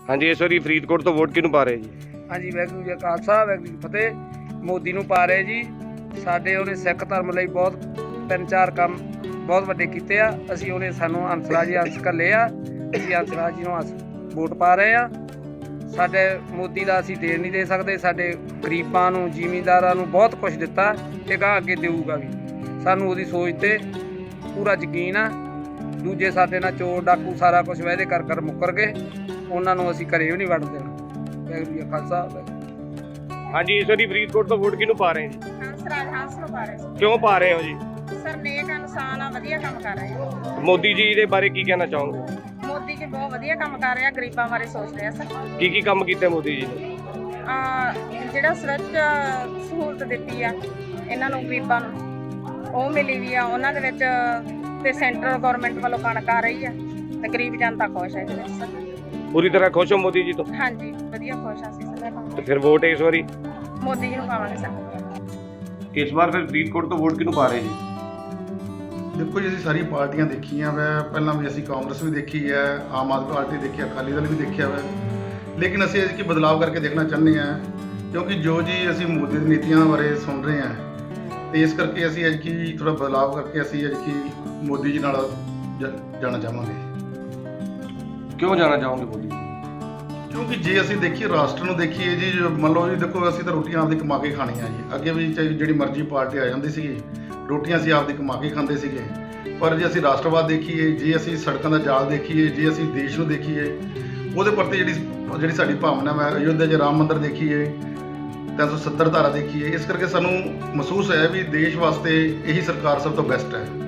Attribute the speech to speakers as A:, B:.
A: हाँ जी, इस वारी फरीदकोट तो वोट किहनूं पा रहे जी?
B: हाँ जी, वाहिगुरू जी का खालसा वाहिगुरू जी की फतेह। मोदी ਨੂੰ ਪਾ ਰਹੇ ਜੀ। ਸਾਡੇ ਉਹਨੇ ਸਿੱਖ ਧਰਮ ਲਈ ਬਹੁਤ 3-4 ਕੰਮ ਬਹੁਤ ਵੱਡੇ ਕੀਤੇ ਆ। ਅਸੀਂ ਉਹਨੇ ਸਾਨੂੰ ਹੰਸਰਾਜ ਜੀ ਹੰਸ ਘੱਲੇ ਆ, ਅਸੀਂ ਹੰਸਰਾਜ ਜੀ ਨੂੰ ਵੋਟ ਪਾ ਰਹੇ ਆ। ਸਾਡੇ ਮੋਦੀ ਦਾ ਅਸੀਂ ਦੇਣ ਨਹੀਂ ਦੇ ਸਕਦੇ। ਸਾਡੇ ਗਰੀਬਾਂ ਨੂੰ, ਜ਼ਿਮੀਂਦਾਰਾਂ ਨੂੰ ਬਹੁਤ ਕੁਝ ਦਿੱਤਾ ਤੇ ਗਾਂ ਅੱਗੇ ਦੇਊਗਾ ਵੀ। ਸਾਨੂੰ ਉਹਦੀ ਸੋਚ ਤੇ ਪੂਰਾ ਯਕੀਨ ਆ। ਦੂਜੇ ਸਾਡੇ ਨਾਲ ਚੋਰ ਡਾਕੂ ਸਾਰਾ ਕੁਝ ਵਾਅਦੇ ਕਰ ਮੁੱਕਰ ਗਏ, ਉਹਨਾਂ ਨੂੰ ਅਸੀਂ ਘਰੇ ਵੀ ਨਹੀਂ ਵੜਨ ਦੇਣਾ। ਵਾਹਿਗੁਰੂ ਜੀ ਕਾ ਖਾਲਸਾ।
A: हाँ जी, इस वारी फरीदकोट तो वोट किहनूं पा रहे हैं?
C: ਹੰਸਰਾਜ ਹੰਸ ਨੂੰ ਪਾ ਰਹੇ ਸੀ।
A: क्यों पा रहे हो जी?
C: ਸਰ ਨੇਕ ਇਨਸਾਨ ਆ, ਵਧੀਆ ਕੰਮ ਕਰ ਰਹੇ ਆ।
A: मोदी जी दे बारे की कहना चाहोगे?
C: ਮੋਦੀ ਜੀ ਬਹੁਤ ਵਧੀਆ ਕੰਮ ਕਰ ਰਿਹਾ, ਗਰੀਬਾਂ ਬਾਰੇ ਸੋਚ ਰਿਹਾ ਸਰ।
A: की काम कीते मोदी जी ने?
C: ਜਿਹੜਾ ਸੁਰੱਖਿਆ ਸਹੂਲਤ ਦਿੱਤੀ ਆ ਇਹਨਾਂ ਨੂੰ, ਗਰੀਬਾਂ ਨੂੰ ਉਹ ਮਿਲੀ ਵੀ ਆ ਉਹਨਾਂ ਦੇ ਵਿੱਚ, ਤੇ ਸੈਂਟਰਲ ਗਵਰਨਮੈਂਟ ਵੱਲੋਂ ਕਣਕ ਆ ਰਹੀ ਆ ਤੇ ਗਰੀਬ ਜਨਤਾ ਖੁਸ਼ ਹੈ ਇਹਦੇ ਵਿੱਚ ਸਰ।
A: पूरी तरह खुश हो मोदी जी तो?
C: ਹਾਂਜੀ, ਵਧੀਆ ਖੁਸ਼ ਆ ਅਸੀਂ ਸਰ।
A: तो फिर वोट इस बारी
C: ਮੋਦੀ ਜੀ ਨੂੰ ਪਾਵਾਂਗੇ ਸਰ।
A: इस बार फिर फरीदकोट तो वोट किहनूं पा रहे जी?
D: ਦੇਖੋ ਜੀ, ਅਸੀਂ ਸਾਰੀ ਪਾਰਟੀਆਂ ਦੇਖੀਆਂ ਵੈ। ਪਹਿਲਾਂ ਵੀ ਅਸੀਂ ਕਾਂਗਰਸ ਵੀ ਦੇਖੀ ਹੈ, ਆਮ ਆਦਮੀ ਪਾਰਟੀ ਦੇਖੀ, ਅਕਾਲੀ ਦਲ ਵੀ ਦੇਖਿਆ ਵੈ। ਲੇਕਿਨ ਅਸੀਂ ਇਸ ਕੀ ਬਦਲਾਅ ਕਰਕੇ ਦੇਖਣਾ ਚਾਹੁੰਦੇ ਹਾਂ, ਕਿਉਂਕਿ ਜੋ ਜੀ ਅਸੀਂ ਮੋਦੀ ਦੀ ਨੀਤੀਆਂ ਬਾਰੇ ਸੁਣ ਰਹੇ ਹਾਂ, ਤੇ ਇਸ ਕਰਕੇ ਅਸੀਂ ਅੱਜ ਕੀ ਥੋੜਾ ਬਦਲਾਅ ਕਰਕੇ ਅਸੀਂ ਅੱਜ ਕੀ ਮੋਦੀ ਜੀ ਨਾਲ ਜਾਣਾ ਚਾਹਾਂਗੇ।
A: क्यों जाना चाहोगे मोदी जी?
D: ਕਿਉਂਕਿ ਜੇ ਅਸੀਂ ਦੇਖੀਏ, ਰਾਸ਼ਟਰ ਨੂੰ ਦੇਖੀਏ ਜੀ, ਮੰਨ ਲਓ ਜੀ, ਦੇਖੋ ਅਸੀਂ ਤਾਂ ਰੋਟੀਆਂ ਆਪਦੀ ਕਮਾ ਕੇ ਖਾਣੀਆਂ ਜੀ। ਅੱਗੇ ਵੀ ਚਾਹੇ ਜਿਹੜੀ ਮਰਜ਼ੀ ਪਾਰਟੀ ਆ ਜਾਂਦੀ ਸੀਗੀ, ਰੋਟੀਆਂ ਅਸੀਂ ਆਪਦੀ ਕਮਾ ਕੇ ਖਾਂਦੇ ਸੀਗੇ। ਪਰ ਜੇ ਅਸੀਂ ਰਾਸ਼ਟਰਵਾਦ ਦੇਖੀਏ, ਜੇ ਅਸੀਂ ਸੜਕਾਂ ਦਾ ਜਾਲ ਦੇਖੀਏ, ਜੇ ਅਸੀਂ ਦੇਸ਼ ਨੂੰ ਦੇਖੀਏ, ਉਹਦੇ ਪ੍ਰਤੀ ਜਿਹੜੀ ਸਾਡੀ ਭਾਵਨਾ ਹੈ, ਅਯੋਧਿਆ 'ਚ ਰਾਮ ਮੰਦਿਰ ਦੇਖੀਏ, 370 ਧਾਰਾ ਦੇਖੀਏ, ਇਸ ਕਰਕੇ ਸਾਨੂੰ ਮਹਿਸੂਸ ਹੋਇਆ ਵੀ ਦੇਸ਼ ਵਾਸਤੇ ਇਹੀ ਸਰਕਾਰ ਸਭ ਤੋਂ ਬੈਸਟ ਹੈ।